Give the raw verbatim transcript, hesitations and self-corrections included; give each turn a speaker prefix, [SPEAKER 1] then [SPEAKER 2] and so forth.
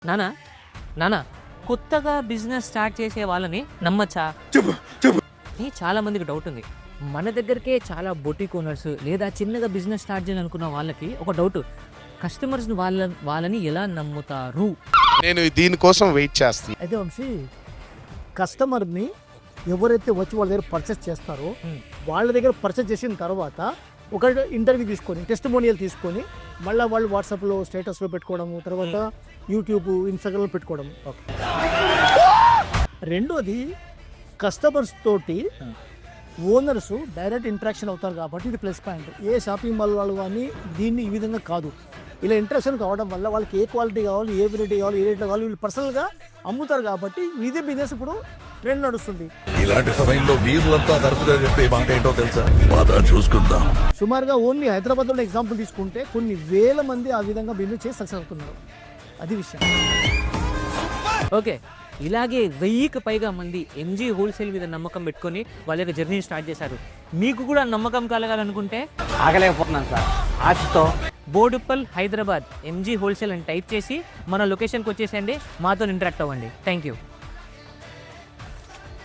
[SPEAKER 1] నానా నానా కొత్తగా బిజినెస్ స్టార్ట్ చేసే వాళ్ళని నమ్మచ్చా?
[SPEAKER 2] చెప్పు చెప్పు
[SPEAKER 1] అని చాలా మందికి డౌట్ ఉంది. మన దగ్గరకే చాలా బొటిక్ ఓనర్స్ లేదా చిన్నగా బిజినెస్ స్టార్ట్ చేయాలనుకున్న వాళ్ళకి ఒక డౌట్, కస్టమర్స్ వాళ్ళ వాళ్ళని ఎలా నమ్ముతారు?
[SPEAKER 2] నేను దీనికోసం వెయిట్ చేస్తాను.
[SPEAKER 3] అయితే వంశీ, కస్టమర్ని ఎవరైతే వచ్చి వాళ్ళ దగ్గర పర్చేస్ చేస్తారో వాళ్ళ దగ్గర పర్చేస్ చేసిన తర్వాత ఒక ఇంటర్వ్యూ తీసుకొని టెస్టిమోనియల్ తీసుకొని మళ్ళీ వాళ్ళు వాట్సాప్లో స్టేటస్లో పెట్టుకోవడము, తర్వాత యూట్యూబ్ ఇన్స్టాగ్రామ్లో పెట్టుకోవడం. రెండోది, కస్టమర్స్ తోటి ఓనర్స్ డైరెక్ట్ ఇంటరాక్షన్ అవుతారు కాబట్టి ఇది ప్లస్ పాయింట్. ఏ షాపింగ్ మాల్ వాళ్ళు కానీ దీన్ని ఈ విధంగా కాదు, ఇలా ఇంటరాక్షన్ కావడం వల్ల వాళ్ళకి ఏ క్వాలిటీ కావాలి, ఏ వెరైటీ కావాలి, ఏ రేట్లో కావాలి, వీళ్ళు పర్సనల్గా అమ్ముతారు కాబట్టి ఇదే బిజినెస్ ఇప్పుడు ట్రెండ్ నడుస్తుంది.
[SPEAKER 4] ఇలాంటి సమయంలో వీరులంతా తరచుగా చెప్పే మాట ఏంటో తెలుసా? బాగా చూసుకుందాం.
[SPEAKER 3] సుమారుగా ఓన్లీ హైదరాబాద్లో ఎగ్జాంపుల్ తీసుకుంటే కొన్ని వేల మంది ఆ విధంగా బిజినెస్ చేసి సక్సెస్ అవుతున్నారు. అది విషయం.
[SPEAKER 1] ఓకే, ఇలాగే వెయ్యికి పైగా మంది ఎంజీ హోల్సేల్ మీద నమ్మకం పెట్టుకొని వాళ్ళ యొక్క జర్నీ స్టార్ట్ చేశారు. మీకు కూడా నమ్మకం కలగాలనుకుంటే
[SPEAKER 5] ఆగలేకపోతున్నాను సార్ ఆశతో.
[SPEAKER 1] బోడుప్పల్ హైదరాబాద్ ఎంజీ హోల్సేల్ అని టైప్ చేసి మన లొకేషన్కి వచ్చేసేయండి, మాతో ఇంటరాక్ట్ అవ్వండి. Thank you.